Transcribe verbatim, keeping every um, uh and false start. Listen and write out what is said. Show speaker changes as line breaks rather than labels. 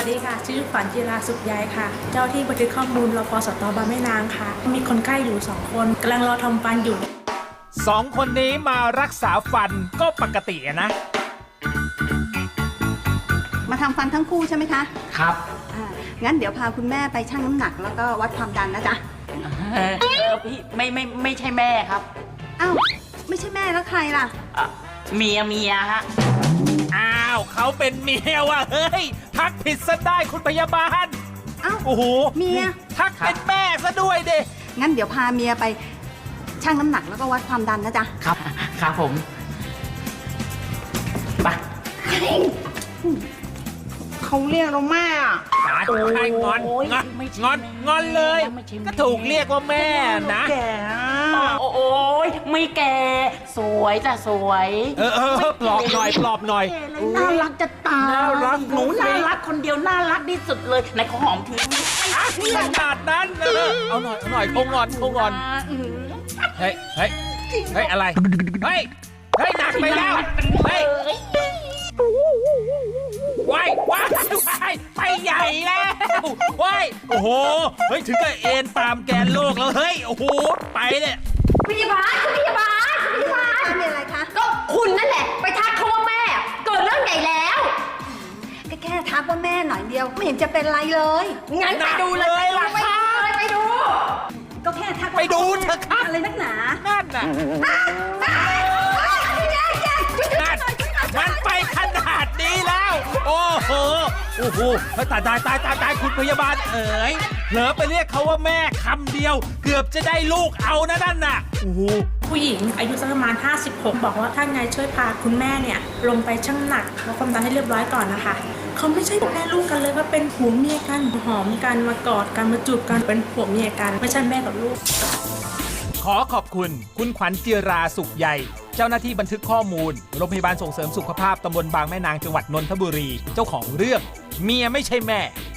สดีค่ะชื่อขวัญจิราสุขใยค่ะ เจ้าที่บันทึกข้อมูลรพสตบางแม่นางค่ะมีคนไข้อยู่สองคนกำลังรอทำฟันอยู่
สองคนนี้มารักษาฟันก็ปกตินะ
มาทำฟันทั้งคู่ใช่ไหมคะ
ครับ
อ่างั้นเดี๋ยวพาคุณแม่ไปชั่งน้ำหนักแล้วก็วัดความดันนะจ๊ะ
เออเออพี่ไม่ไม่ไม่ใช่แม่ครับ
อ้าวไม่ใช่แม่แล้วใครล่ะ
อ่ะเมียเมียฮะ
อ้าวเขาเป็นเมียว่ะเฮ้ยทักผิดซะได้คุณพยาบาล
อ้าว
โอ้โห
เมีย
ทักเป็นแม่ซะด้วยดิ
งั้นเดี๋ยวพาเมียไปชั่งน้ำหนักแล้วก็วัดความดันนะจ๊ะ
ครับครับผมไป
เขาเรียกเราแม่อะ
โอ้ยงอนงอนงอนงอนเลยก็ถูกเรียกว่าแม่นะ
แก่
โอ้โอ้ยไม่แก่สวยจ้ะสวย
เออเออปลอบหน่อยปลอบหน่อย
น่ารักจะตาย
น่ารัก
หนูน่ารักคนเดียวน่ารักที่สุดเลยไหนขอหอมที
ขนาดนั้นเออเอาหน่อยเอาหน่อยคงงอนคงงอนเฮ้ยเฮ้ยเฮ้ยอะไรเฮ้ยเฮ้ยหนักไปแล้วเฮ้ยว้ายว้ายว้ายไปใหญ่แล้วว้ายโอ้โหเฮ้ยถึงกับเอ็นตามแกนโลกแล้วเฮ้ยโอ้โหไปเนี่ย
พยาบาลคุณพยาบาลคุณพยาบาล
มีอะไรคะ
ก็คุณนั่นแหละไปทักเขาว่าแม่เกิดเรื่องใหญ่แล้ว
ก็แค่ทักว่าแม่หน่อยเดียวไม่เห็นจะเป็นไรเลย
งั้นไปดูเลยล่ะไปดูเลยไปดู
ก็แค่ทัก
ไปดูเถอะครับ
อะไรนักหนา
นั่นน่ะมันไปขนาดนี้แล้วโอ้โหโอ้โหตายตายตายตายตายคุณพยาบาลเอ๋ยเผลอไปเรียกเขาว่าแม่คำเดียวเกือบจะได้ลูกเอานะนั่นน่ะโอ้โห
ผู้หญิงอายุสักประมาณห้าสิบหกบอกว่าท่านไงช่วยพาคุณแม่เนี่ยลงไปชั่งหนักแล้วความดันให้เรียบร้อยก่อนนะคะเขาไม่ใช่แม่ลูกกันเลยว่าเป็นผัวเมียกันหอมกันมากอดกันมาจูบกันเป็นผัวเมียกันไม่ใช่แม่กับลูก
ขอขอบคุณคุณขวัญจิราสุขใยเจ้าหน้าที่บันทึกข้อมูลโรงพยาบาลส่งเสริมสุขภาพตำบลบางแม่นางจังหวัดนนทบุรีเจ้าของเรื่องเมียไม่ใช่แม่